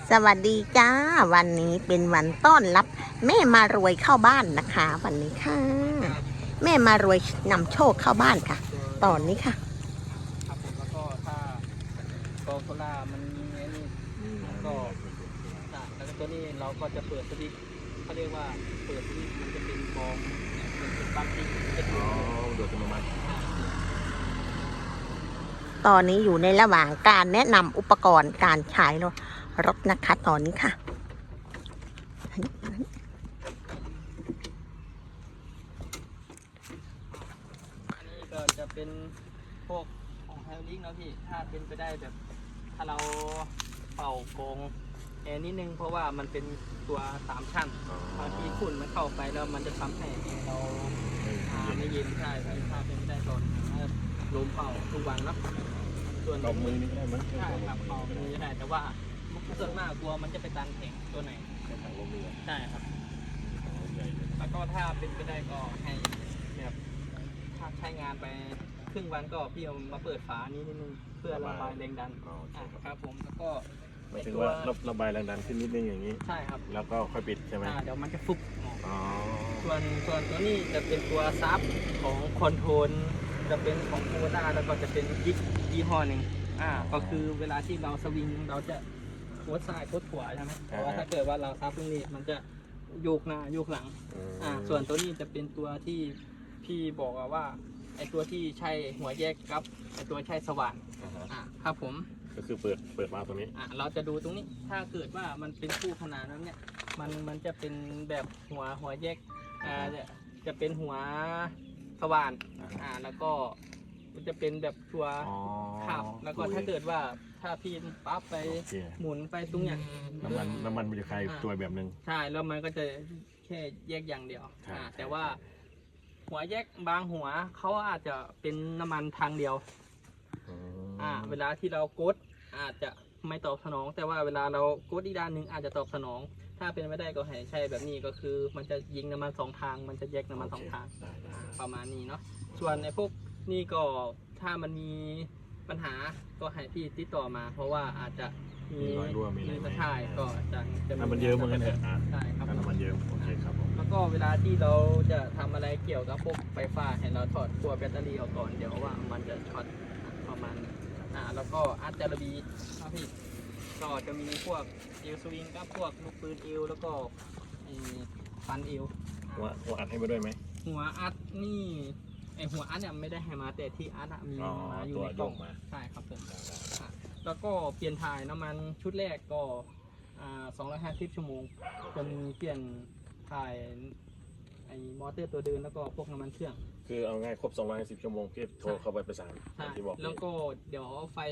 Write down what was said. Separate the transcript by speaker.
Speaker 1: สวัสดีจ้าวันนี้เป็นวันต้อนรับแม่มารวยเข้าบ้านนะคะวันนี้ค่ะแม่มารวยนำโชคเข้าบ้านค่ะ ตอนนี้ค่ะ
Speaker 2: ครับผมแล้วก็ถ้าโกโซล่ามันมีไอ้นี่แล้วก็ตัวนี้เราก็จะเปิดสวิตช์เขาเรียกว่าเปิดสวิตช์มันจะเป็นกองเป็นปลั๊กที่จะดู
Speaker 3: โดยอัตโนมัติ
Speaker 1: ตอนนี้อยู่ในระหว่างการแนะนำอุปกรณ์การใช้รถนะคะตอนนี้ค่ะ
Speaker 2: อันนี้ก็จะเป็นพวกของไฮดรอลิกนะพี่ถ้าเป็นไปได้แบบถ้าเราเป่ากองแอร์นิดนึงเพราะว่ามันเป็นตัว3 ชั้นบางทีฝุ่นมันเข้าไปแล้วมันจะทำให้แอร์เราไม่เย็นใช่ถ้าเป็นไปได้ตอนลมเป่าทุกวันเนาะส่วน
Speaker 3: เป่ามือนี่ได้ไหม
Speaker 2: ใช่ครับเป่ามือได้แต่ว่าส่วนมากกลัวมันจะไปตันแข็งตัวไหน
Speaker 3: ใช้ถังลมเรือ
Speaker 2: ใช่ครับ
Speaker 3: ใหญ่เลย
Speaker 2: แล้วก็ถ้าเป็นไปได้ก็ให้แบบถ้าใช้งานไปครึ่งวันก็พี่เอามาเปิดฝานี้นิดนึงเพื่อระบายแรงดันครับผมแล้วก็
Speaker 3: หมายถึงว่าระบายแรงดันขึ้นนิดนึงอย่างนี้
Speaker 2: ใช่ครับ
Speaker 3: แล้วก็ค่อยปิดใช่ไหม
Speaker 2: เดี๋ยวมันจะฟุบ
Speaker 3: อ๋อ
Speaker 2: ส่วนตัวนี้จะเป็นตัวซับของคอนโทรลจะเป็นของโคด้าแล้วก็จะเป็นยี่ห้อหนึ่งก็คือเวลาที่เราสวิงเราจะโคดซ้ายโคดขวาใช่ไหมแต่ว่าถ้าเกิดว่าเราซับตรงนี้มันจะโยกหน้าโยกหลังส่วนตัวนี้จะเป็นตัวที่พี่บอกว่าไอตัวที่ใช้หัวแยกกับไอตัวใช้สว่านครับผม
Speaker 3: ก็คือเปิดมาตรงนี้
Speaker 2: เราจะดูตรงนี้ถ้าเกิดว่ามันเป็นคู่ขนานนั้นเนี่ยมันจะเป็นแบบหัวแยกจะเป็นหัวสว่านแล้วก็มันจะเป็นแบบตัวขับแล้วก็ถ้าเกิดว่าถ้าพี่ปั๊บไปหมุนไปตรงเนี้ย
Speaker 3: น้ำมันมันจะคลายตัวแบบนึง
Speaker 2: ใช่แล้วมันก็จะแค่แยกอย่างเดียวแต่ว่าหัวแยกบางหัวเขาอาจจะเป็นน้ำมันทางเดียวเวลาที่เรากดอาจจะไม่ตอบสนองแต่ว่าเวลาเรากดอีกด้านหนึ่งอาจจะตอบสนองถ้าเป็นไม่ได้ก็ให้ใช่แบบนี้ก็คือมันจะยิงน้ำมัน2 ทางมันจะแยกน้ำมัน2 ทางประมาณนี้เนาะส่วนในพวกนี่ก็ถ้ามันมีปัญหาก็ให้พี่ติดต่อมาเพราะว่าอาจจะมีใช่ก็จะ
Speaker 3: น้ำมันเยอะเหมือนกันเถอะ
Speaker 2: ใช่ครับ
Speaker 3: น้ำมันเยอะโอเคครับผม
Speaker 2: แล้วก็เวลาที่เราจะทำอะไรเกี่ยวกับพวกไฟฟ้าให้เราถอดขั้วแบตเตอรี่ออกก่อนเดี๋ยวว่ามันจะช็อตประมาณแล้วก็อาร์ตจารบีครับพี่ก็จะมีพวกเอลสวิงกับพวกลูกปืนเอลแล้วก็ฟันเอล
Speaker 3: หัวอัดให้มาด้วยไหม
Speaker 2: หัวอัดนี่หัวอัดเนี่ยไม่ได้ให้มาแต่ที่อัดมีมาอยู่ในกล่องใช่ครับผมแล้วก็เปลี่ยนถ่ายน้ำมันชุดแรกก็250 ชั่วโมงจะมีเปลี่ยนถ่ายมอเตอร์ตัวเดินแล้วก็พวกน้ำมันเครื่อง
Speaker 3: คือเอาง่ายครบ210 ชั่วโมงพี่โทรเข้าไปประสานที่บอก
Speaker 2: แล้วก็เดี๋ยวไฟ